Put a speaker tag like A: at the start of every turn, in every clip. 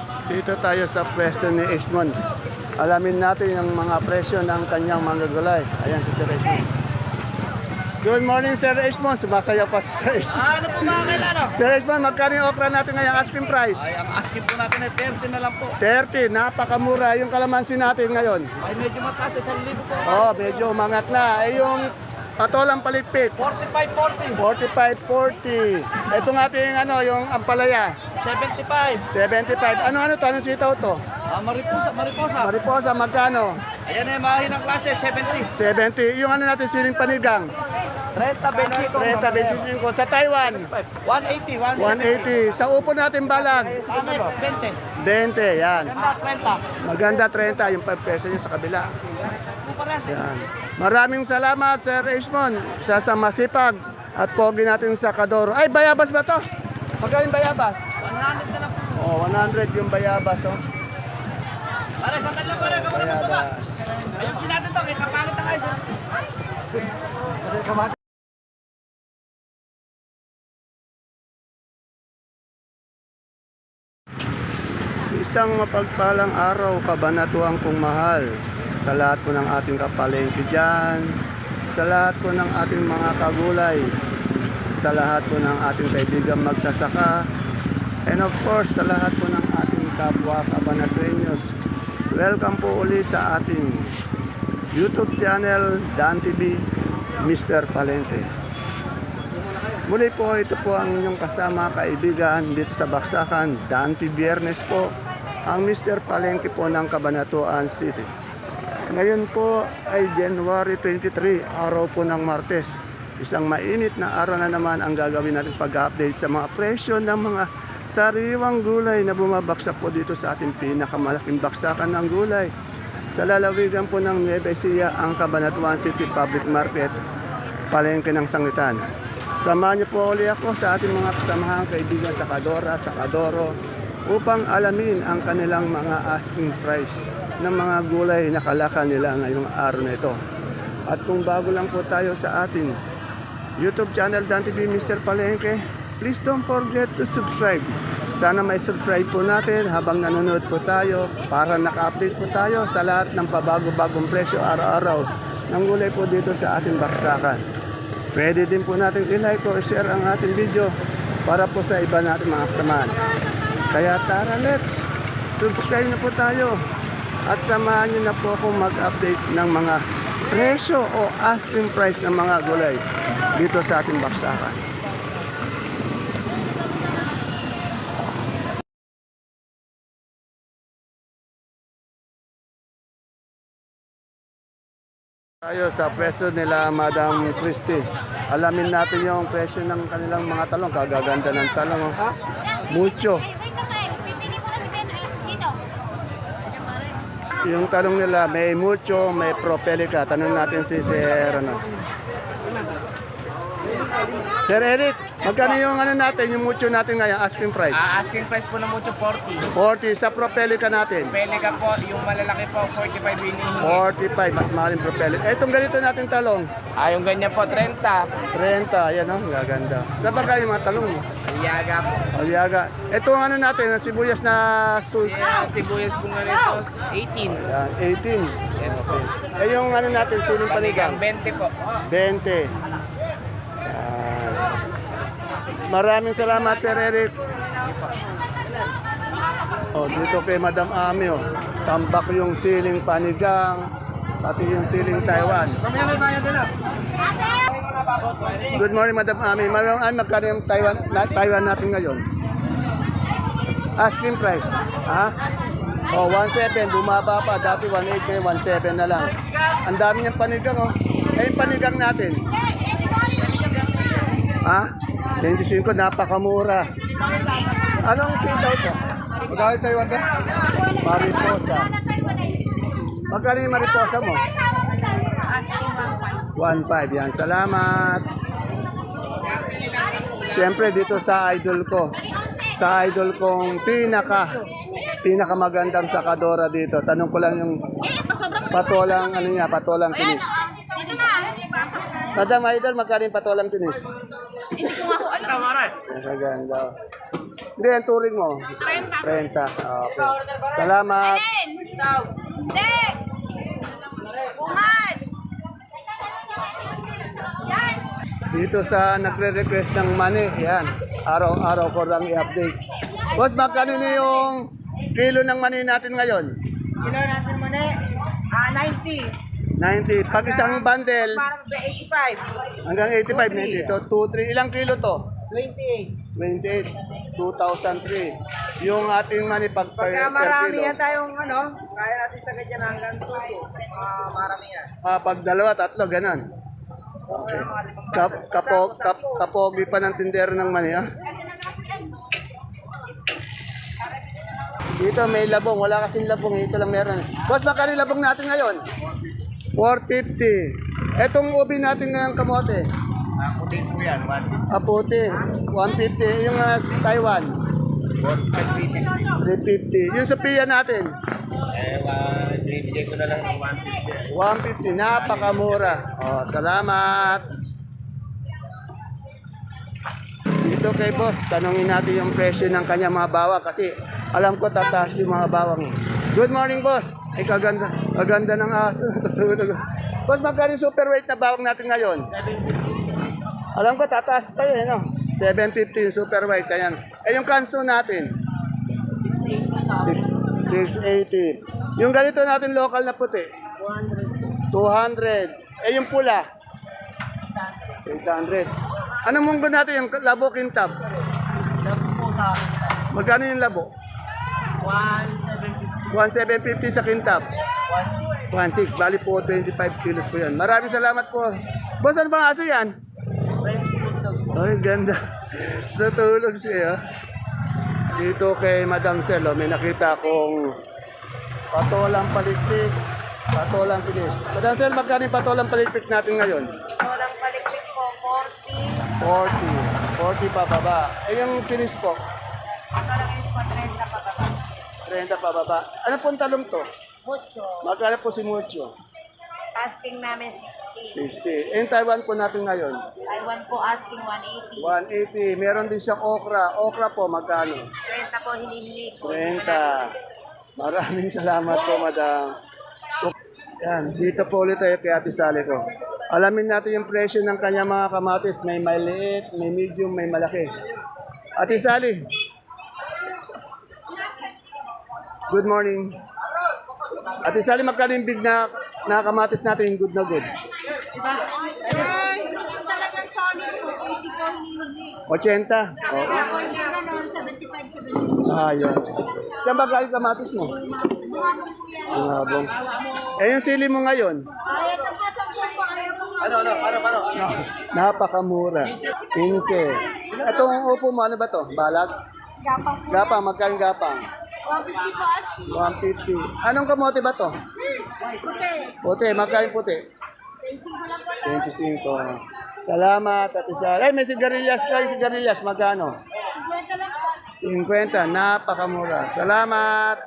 A: Dito tayo sa presyo ni Ismon. Alamin natin yung mga presyo ng kanyang mga gulay. Ayan si Sir Ismon. Good morning, Sir Ismon. Sumasaya pa si Sir Ismon.
B: Ano po mga kailan?
A: Sir Ismon, magkano yung okra natin ngayon? Asking price?
B: Ay, ang asking po natin ay 30 na lang po.
A: 30, napakamura. Yung kalamansi natin ngayon.
B: Ay, medyo mataas, 1,000 po.
A: Oh, medyo umangat na. Eh yung patolang palipit,
B: 45-40.
A: 45-40. Ito nga yung ano, yung ampalaya,
B: 75.
A: 75. Ano to? Anong sitaw to?
B: Mariposa.
A: Mariposa, magkano?
B: Ayan ay mahinang klase, 70.
A: 70. Yung ano natin, siling panigang,
B: 30, 25.
A: 30, 25. Sa Taiwan,
B: 180,
A: 180. Sa upo natin balag,
B: 20.
A: 20. Yan.
B: Ganda, 30.
A: Maganda 30 yung 5 peso niya sa kabila.
B: Kupares.
A: Yan. Maraming salamat, Sir Ishmon. Isa sa masipag at pogi natin sa Kadoro. Ay, bayabas ba to? Magkano yung bayabas?
B: 100 na lang po.
A: Oh, 100 yung bayabas, oh.
B: Pare, sandal lang pare, kamo na baba.
A: Bayabas.
B: Ayusin natin to, may kapalit na kayo.
A: Isang mapagpalang araw, kabanatuang kong mahal. Sa lahat po ng ating kapalengke dyan, sa lahat po ng ating mga kagulay, sa lahat po ng ating kaibigan magsasaka, and of course, sa lahat po ng ating kapwa kabanatuenyos. Welcome po uli sa ating YouTube channel, Dan TV, Mr. Palengke. Muli po, ito po ang inyong kasama kaibigan dito sa Baksakan, Dante Biernes po, ang Mr. Palengke po ng Cabanatuan City. Ngayon po ay January 23, araw po ng Martes. Isang mainit na araw na naman ang gagawin natin pag-update sa mga presyo ng mga sariwang gulay na bumabaksak po dito sa ating pinakamalaking baksakan ng gulay. Sa lalawigan po ng Nueva Ecija, ang Cabanatuan City Public Market, Palengke ng Sangitan. Samahan niyo po ulit ako sa ating mga kasamahang kaibigan sa Kadora, sa Kadoro, upang alamin ang kanilang mga asking price ng mga gulay na kalakal nila ngayong araw na ito. At kung bago lang po tayo sa ating YouTube channel, Dan TV Mr. Palengke, please don't forget to subscribe. Sana may subscribe po natin habang nanonood po tayo para naka-update po tayo sa lahat ng pabago-bagong presyo araw-araw ng gulay po dito sa ating baksakan. Pwede din po natin i-like o i-share ang ating video para po sa iba natin mga kasamahan. Kaya tara, let's subscribe na po tayo at samahan nyo na po akong mag-update ng mga presyo o asking price ng mga gulay dito sa ating baksakan. Tayo sa presyo nila Madam Christy. Alamin natin yung presyo ng kanilang mga talong. Kagaganda ng talong. Oh. Mucho. Yung talong nila may mucho, may propelica. Tanong natin si Sir Sir Eric, magkano yung natin, yung mucho natin ngayon, asking price?
B: Asking price po ng mucho 40.
A: 40 sa propelica natin.
B: Pelica po, yung malalaki po, 45 hinihingi.
A: 45, mas mahal yung propelica. Etong ganito natin talong,
B: Yung ganyan po, 30.
A: 30, yan oh, gaganda. Sa bagay yung mga talong mo.
B: Aliaga po.
A: Aliaga. Ito ang natin, ang sibuyas na
B: Sibuyas po nga nito, 18.
A: Yan, 18.
B: Yes po.
A: Eh yung natin, siling panigang.
B: Panigang, 20 po.
A: 20. Yan. Maraming salamat, Sir Eric. Oh, dito kay Madam Ami, oh. Tambak yung siling panigang, pati yung siling Taiwan. Good morning, Madam Ami. Madam Ami, magkano yung Taiwan natin ngayon? Asking price. Ha? Oh, 17. Bumaba pa. Dati 18, 17 na lang. Ang dami niyang panigang, oh. Eh, yung panigang natin. Ha? 25, napakamura. Anong sitaw ito? Magkano Taiwan ka? Mariposa. Magkano yung mariposa mo? 1.5 yan. Salamat. Siyempre dito sa idol ko. Sa idol kong pinakamagandang sakadora dito. Tanong ko lang yung patolang patolang tinis. Madam Idol, magkano yung patolang tinis?
B: Tama rin.
A: Maganda. Hindi, ang turing mo. 30. Okay. Salamat.
C: Hindi! Buhan! Yan!
A: Dito sa nagre-request ng money, yan. Araw-araw ko lang i-update. Boss, magkano na yung kilo ng money natin ngayon?
C: Kilo natin mo na 90.
A: 90. Pag isang bundle,
C: Parang 85.
A: hanggang 85 na dito. 2, 3. Ilang kilo to?
C: 28.
A: 28. 2,003. Yung ating money pag
C: Pagka
A: per
C: marami
A: kilo.
C: yan tayong kaya natin sa ganyan hanggang 2. Marami yan.
A: Pag dalawa, tatlo, ganun. Okay. Kapogi pa ng tindero ng mani, ha? Dito may labong, wala kasing labong, ito lang meron. Boss, magkano yung labong natin ngayon? 450. Etong ubi natin ngayong kamote.
D: Puti po yan, 150.
A: Aputi, 150. Yung Taiwan, 350. Yung Sophia natin,
D: Bigay ko na lang ng 150.
A: 150. Napakamura. Oh, salamat. Dito kay boss, tanungin natin yung presyo ng kanya mga bawang kasi alam ko tataas yung mga bawang. Good morning, boss. Ay, kaganda ng aso. Natutulog. Boss, magkano yung super weight na bawang natin ngayon? Alam ko tataas pa yun, no? 750 yung super weight. Ayan. Eh, yung kanso natin? 680. Yung ganito natin local na puti? 200. Eh, yung pula? 800. Anong munggo natin yung labo kintab? Magkano yung labo? 1,750 sa kintab. 1,600. Bali po 25 kilos po yan. Maraming salamat po. Boss, ano bang aso yan? Ay, ganda. Natulog siya. Dito kay Madam Celo, may nakita akong patolang palikpik, patolang pinis. Madam Celo, magkano yung patolang palikpik natin ngayon?
C: Walang palikpik po,
A: 40. 40 pa baba. Eh, yung pinis po?
C: Ang kalaki is 30 pa ba?
A: 30 pa baba. Ano pong talong to?
C: Mucho.
A: Magkano po si Mucho?
C: Asking namin 60.
A: 60. Eh, yung Taiwan po natin ngayon?
C: Taiwan po asking 180.
A: 180. Meron din siyang okra. Okra po, magkano?
C: 30 po, hinihingi ko.
A: 30. Maraming salamat po, madam. Yan, dito po ulit tayo kay Ate Sally ko. Alamin natin yung presyo ng kanya mga kamatis. May maliit, may medium, may malaki. Ate Sally. Good morning. Ate Sally, magkano yung big na kamatis natin yung good na good?
C: Ay, talagang solid po, 80 po hinihingi.
A: 80? Oo.
C: Ako hindi gano'n, 75, 70.
A: Ah, yun. Saan ba galing kamatis mo? Bungabong. Eh, yung sili mo ngayon?
C: Ay, ito po sa po, ayaw po.
A: Napakamura. 15. Itong upo mo, ano ba to? Balag?
C: Gapang po.
A: Gapang, magkano gapang?
C: 150 po asking.
A: 150. Anong kamote ba to?
C: Puti.
A: Puti, magkano puti?
C: 25 lang po.
A: 25. Salamat, Ate Sally. Ay, may sigarilyas kayo, sigarilyas. Magkano?
C: 50 lang po.
A: 50. Napakamura. Salamat.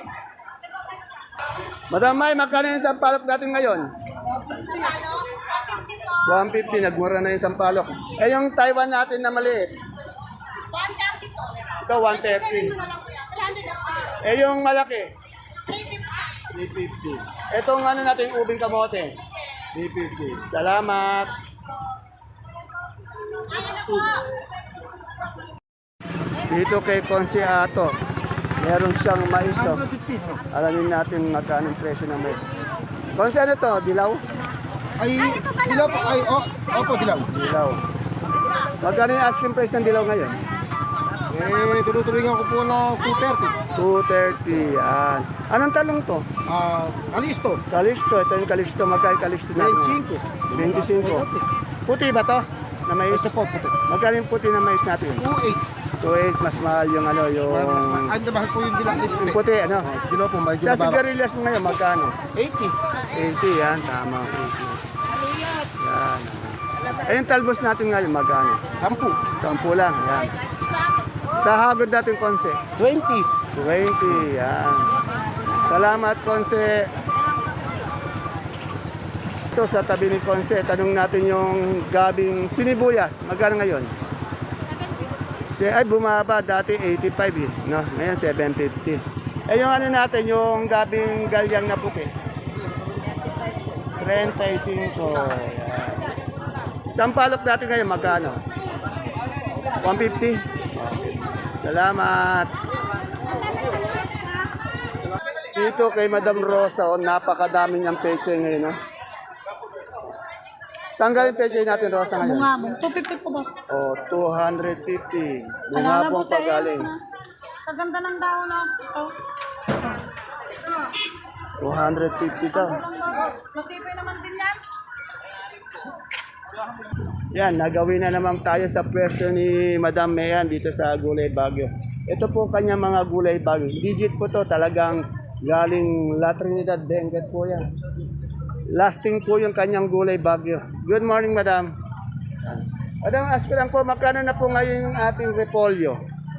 A: Madam May, magkano yung sampalok natin ngayon? 150. Nagmura na yung sampalok. Eh, yung Taiwan natin na maliit?
C: 130 po.
A: Ito, 130. Eh, yung malaki? 350. Itong ano natin, ubing kamote? 350. Salamat. Dito kay Consiato, meron siyang mais. Oh. Alamin natin magkano ang presyo ng mais. Consi, ano to? Dilaw?
D: Ay, dilaw po. Ay, opo, dilaw.
A: Dilaw. Magkano yung asking price ng dilaw ngayon?
D: Turuturingan ko po ng 230.
A: 230. Yan. Anong talong to?
D: Alisto.
A: Calixto. Ito yung Calixto. Magkano yung Calixto natin? 25. Puti ba to? Na mais?
D: Ito po, puti.
A: Magkano yung puti na mais natin?
D: 2.8.
A: 2.8. Mas mahal yung ano, yung...
D: Ang mahal po yung dilaw.
A: Yung puti, ano?
D: Dilaw po, may
A: Sa
D: dilaw.
A: sigarilyas mo ngayon, magkano?
D: 80.
A: 80, yan. Tama. 80. Yan. Eh, yung talbos natin ngayon, magkano?
D: 10.
A: 10 lang. Yan. Sa hagod natin, Konse?
D: 20.
A: 20. Yan. Salamat, Konse. Ito sa tabi ni Konse, tanong natin yung gabing sinibuyas. Magkano ngayon? Ay, bumaba. Dati 85 eh. No? Ngayon, 750. Eh, yung ano natin, yung gabing galyang na puti. 35. Yan. Sampalok natin ngayon, magkano? 150. Salamat. Dito kay Madam Rosa, oh, napakadami niyang peche ngayon. Oh. Saan galing peche natin, Rosa, ngayon?
C: Bungabong. 250 po, boss.
A: Oh, 250. Bungabong pa galing.
C: Kaganda ng dahon na ito.
A: 250 daw.
C: Matipay naman din yan.
A: Yan, nagawin na naman tayo sa pwesto ni Madam Mayan dito sa Gulay Bagyo. Ito po kanya mga Gulay Bagyo. Digit po to, talagang galing La Trinidad, Benguet po yan. Lasting po yung kanyang Gulay Bagyo. Good morning, Madam. Madam, ask ko lang po, magkano na po ngayon yung ating repolyo?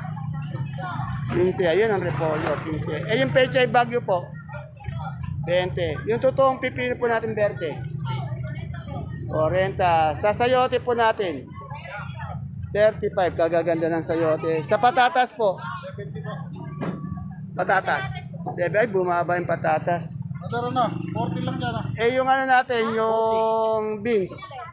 A: 15, ayun ang repolyo, 15. Eh, yung pechay Bagyo po, 20. Yung totoong pipino po natin, Berte. 40. Sa sayote po natin, 35. Kagaganda ng sayote. Sa patatas po, 70 po. Patatas. 7. Ay, bumaba yung patatas.
D: Madaro na, 40 lang yan.
A: Eh, yung ano natin, yung beans,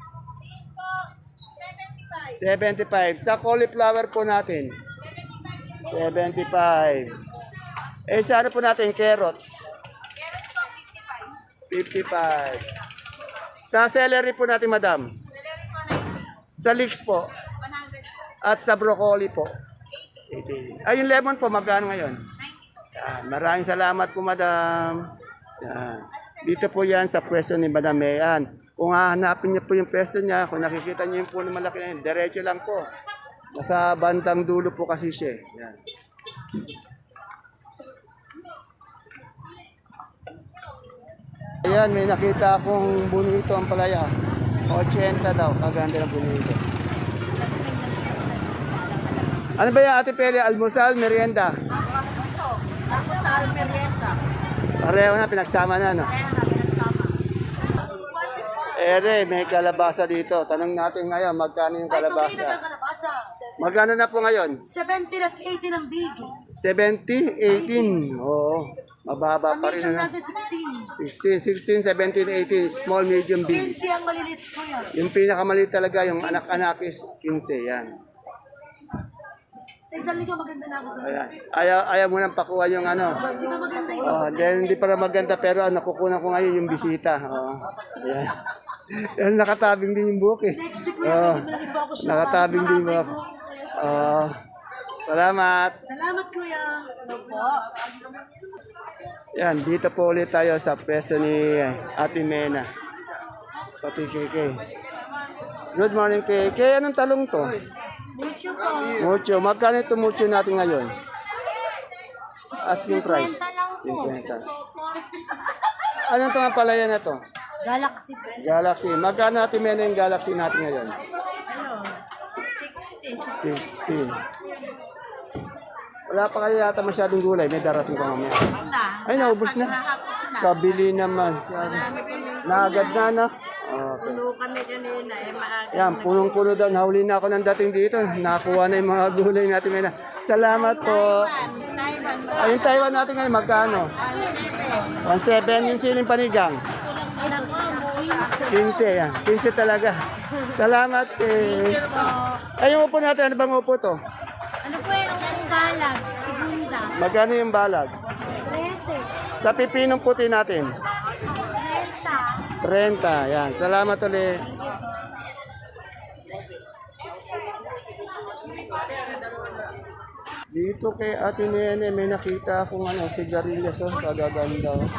A: 75. Sa cauliflower po natin, 75. Eh, sa ano po natin, carrots? 55. Sa celery po natin, madam? Sa leeks po? 100. At sa broccoli po? 80. Ay, yung lemon po, magkano ngayon? 90. Yan, maraming salamat po, madam. Yan. Dito po yan sa pwesto ni Madam Mayan. Kung hahanapin niyo po yung pwesto niya, kung nakikita niyo yung puno malaki na yun, diretso lang po. Nasa bandang dulo po kasi siya. Yan. Ayan, may nakita akong bonito ang palaya. 80 daw, kaganda ng bonito. Ano ba yan, Ate Pele? Almusal, merienda?
C: Almusal, merienda.
A: Pareho na, pinagsama na, no? Ere, may kalabasa dito. Tanong natin ngayon, magkano yung kalabasa? Magkano na po ngayon?
C: 70 at 80 ng big.
A: 70, 18. Oo, mababa pa rin.
C: Medium
A: Ano?
C: natin
A: 16,
C: 16.
A: 16, 17, 18. Small, medium, big.
C: 15 ang malilit ko yan.
A: Yung pinakamaliit talaga, yung anak-anak is 15. Yan.
C: Sa isang linggo maganda na ako.
A: Ayan. Ayaw mo nang pakuha yung ano.
C: Di ba maganda yun?
A: Oh, then hindi para maganda pero nakukunan ko ngayon yung bisita. Oh. Ayan. Yan, nakatabing din yung buhok eh.
C: Next week ko yan.
A: Oh,
C: Pwede malagay pa ako siya.
A: nakatabing din yung buhok. Oh. Salamat.
C: Salamat kuya. Ano po?
A: Yan, dito po ulit tayo sa pwesto ni Ate Mena. Pati KK. Good morning KK. Anong talong to?
C: Mucho po.
A: Mucho. Magkano ito mucho natin ngayon? Asking price.
C: 50 lang po.
A: 50. Anong itong palaya na to?
C: Galaxy po.
A: Galaxy. Magkano natin Mena yung Galaxy natin ngayon?
C: Ano?
A: 60. Wala pa kayo yata masyadong gulay. May darating pa mamaya. Ay, naubos na. Kabili naman. Naagad na, no? Okay.
C: Puno kami kanina. Maaga.
A: Yan, punong-puno daw. Nahuli na ako ng dating dito. Nakuha na yung mga gulay natin. Mena. Salamat po.
C: Taiwan.
A: Ayun, Taiwan natin ngayon. Magkano? 1.7 yung siling panigang. 15. Yan. 15 talaga. Salamat. Ayun, upo natin. Ano bang upo to?
C: Ano po yung balag? Segunda.
A: Magkano yung balag?
C: 13.
A: Sa pipinong puti natin. 30. Yan. Salamat ulit. Dito kay Ate Nene, may nakita akong sigarilyas. Oh, kagaganda. Oh.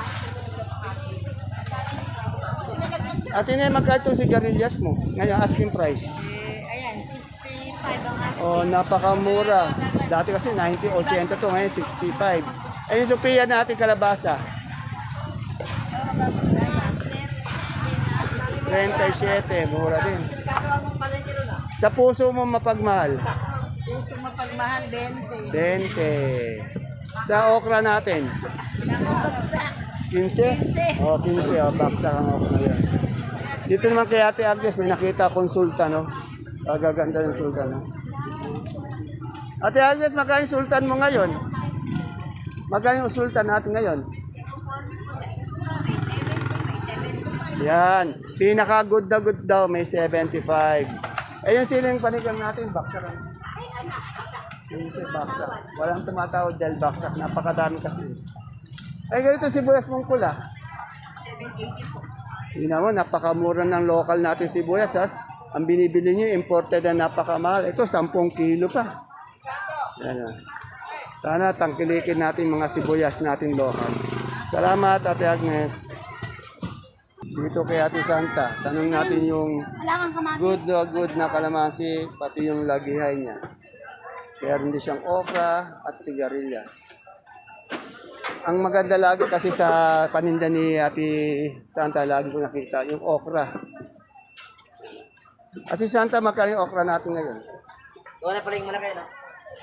A: Ate Nene, magkano itong sigarilyas mo? Ngayon, asking price.
C: Ayan, 65 ang asking.
A: Oh, napakamura. Dati kasi 90, 80 to, ngayon 65. Ayun, Sophia natin kalabasa. 37, mura din. Sa puso mo mapagmahal?
C: Puso mapagmahal, 20.
A: 20. Sa okra natin?
C: Nakabagsak.
A: 15? Oh, 15. Oh, baksa ang okra yan. Dito naman kay Ate Agnes, may nakita akong sultan, no? Kagaganda ng sultan, no? Ate Agnes, magkano yung sultan mo ngayon? Magkano yung sultan natin ngayon? Yan. Pinaka-good na good daw, may 75. Eh, yung siling panigang natin, baksak. Yung baksak. Walang tumatawag dahil baksak. Napakadami kasi. Eh, ganito sibuyas mong pula.
C: 780 po.
A: Yun naman, napakamura ng local natin sibuyas. Ang binibili nyo, imported na napakamahal. Ito, 10 kilo pa. Yan. Sana tangkilikin natin mga sibuyas natin local. Salamat, Ate Agnes. Dito kay Ate Santa, tanong natin yung
C: Wala kang kamatis.
A: good na kalamansi, pati yung lagihay niya. Kaya rin siyang okra at sigarilyas. Ang maganda lagi kasi sa paninda ni Ate Santa, lagi ko nakita, yung okra. Ate Santa, magkano yung okra natin ngayon?
B: Wala pala yung malaki, no?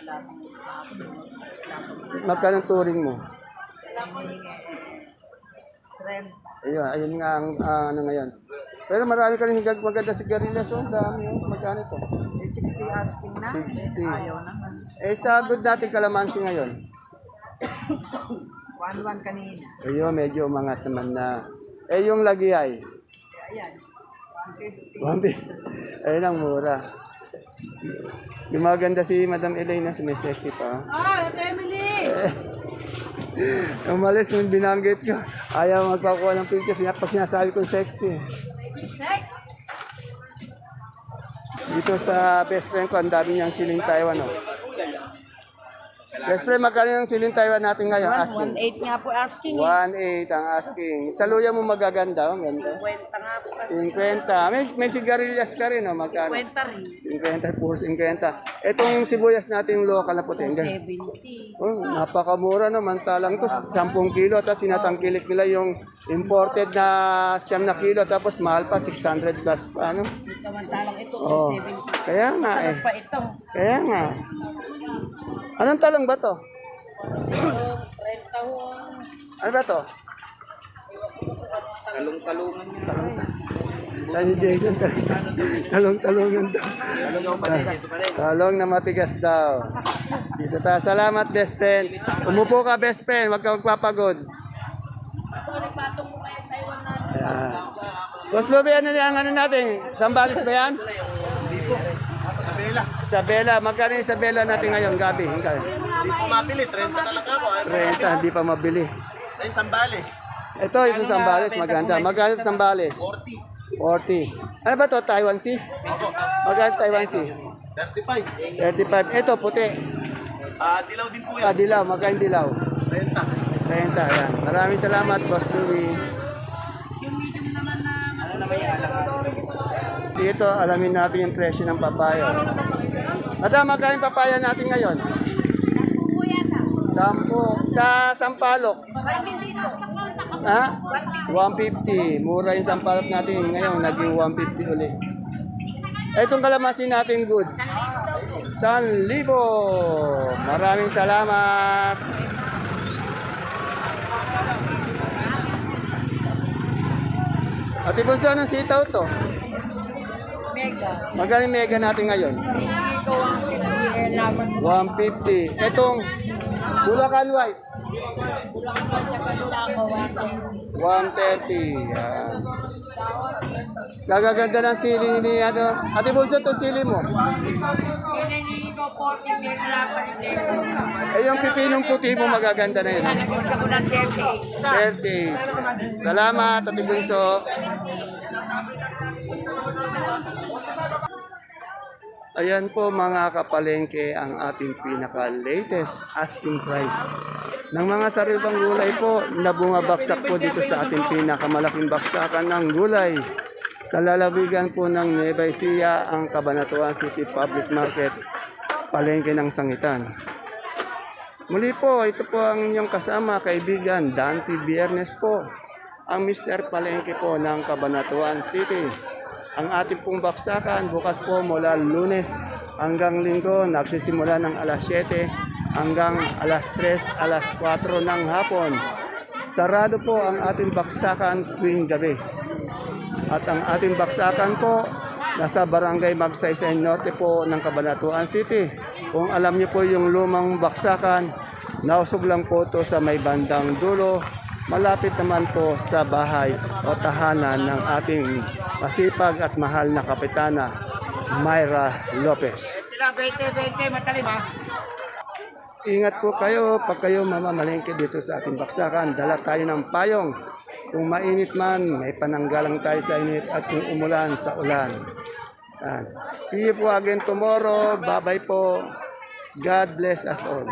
A: Magkano ang turing mo?
C: Trend.
A: Ayun nga ang ano ngayon. Pero marami ka rin maganda sigarilyas, oh. Dami, oh. Magkano ito?
C: 60 asking na.
A: 60.
C: Ayaw naman.
A: Eh, sa good natin kalamansi ngayon.
C: 1-1 kanina.
A: Ayun, medyo umangat naman na. Eh, yung lagihay.
C: Ayan.
A: 150. Ayun ang mura. Yung maganda si Madam Elena, may sexy pa.
C: Ah, Emily!
A: Umalis nung binanggit ko. Ayaw magpakuha ng picture. Pag sinasabi kong sexy. Dito sa best friend ko, ang dami niyang siling Taiwan. Oh. Best friend, magkano yung siling Taiwan natin ngayon? Asking.
C: 1.8 nga po asking.
A: 1.8 ang asking. Sa luya mo magaganda. Oh, ganda.
C: 50 nga po kasi.
A: 50. May sigarilyas ka rin. Oh, magkano?
C: 50 rin.
A: 50, puro 50. Itong sibuyas natin local na puti.
C: 70.
A: Oh, napakamura naman talang to, 10 kilo, tapos sinatangkilik nila yung imported na 9 na kilo, tapos mahal pa, 600 plus pa, ano?
C: Samantalang ito,
A: Oh,
C: 70.
A: kaya nga eh.
C: Pa ito.
A: Kaya nga. Anong talong ba to?
C: 30 ho.
A: Ano ba to?
B: Talong-talungan niya.
A: Tani Jason, talong-talongan daw. Talong na matigas daw. Dito ta. Salamat, best friend. Umupo ka, best friend. Huwag ka magpapagod. Ayan. Boss Luby, ano yung ano natin? Sambalis ba yan? Isabela. Magkano yung Isabela natin ngayon, Gabi?
D: Hindi pa mabili, 30 na lang ako.
A: 30, hindi pa mabili.
D: Ayun, Sambales.
A: Ito, yung Sambales, maganda. Magkano sa Sambales?
D: 40.
A: 40. Ano ba to? Taiwan Sea? Magkano Taiwan Sea?
D: 35.
A: 35. Ito, puti.
D: Dilaw din po
A: Ah,
D: yan.
A: dilaw. Magkano dilaw?
D: 30.
A: 30. Ayan. Maraming salamat, Boss Louie. Dito, alamin natin yung presyo ng papaya. Madam, magkano yung papaya natin ngayon? 10. Sa Sampalok? Ha? 150. Mura yung Sampalok natin. Ngayon, naging 150 ulit. Itong kalamansi natin good. 1,000. Maraming salamat. Ate Bunso, anong sitaw to?
C: Mega.
A: Magkano yung mega natin ngayon?
C: Hindi ko ang kinalaman.
A: 150. Itong Bulacan White. 130. Yan. Gagaganda ng sili ni ano. Ate Bunso, itong sili mo.
C: Hinihingi ko 40 years lang pa rin.
A: Eh, yung pipinong puti mo magaganda na yun.
C: Nagpunta ko ng
A: 30. Salamat, Ate Bunso. Ayan po mga kapalengke ang ating pinaka-latest asking price. Ng mga sariwang gulay po na bumabaksak po dito sa ating pinakamalaking baksakan ng gulay. Sa lalawigan po ng Nueva Ecija, ang Cabanatuan City Public Market, palengke ng Sangitan. Muli po, ito po ang inyong kasama, kaibigan, Dante Biernes po, ang Mr. Palengke po ng Cabanatuan City. Ang ating pong baksakan bukas po mula Lunes hanggang Linggo, nagsisimula ng alas 7 hanggang alas 3, alas 4 ng hapon. Sarado po ang ating baksakan tuwing gabi. At ang ating baksakan po nasa Barangay Magsaysay Norte po ng Cabanatuan City. Kung alam niyo po yung lumang baksakan, nausog lang po to sa may bandang dulo. Malapit naman po sa bahay o tahanan ng ating masipag at mahal na kapitana, Myra Lopez. Ingat po kayo pag kayo mamamalengke dito sa ating baksakan. Dala tayo ng payong. Kung mainit man, may pananggalang tayo sa init at kung umulan, sa ulan. Yan. See you po again tomorrow. Bye-bye po. God bless us all.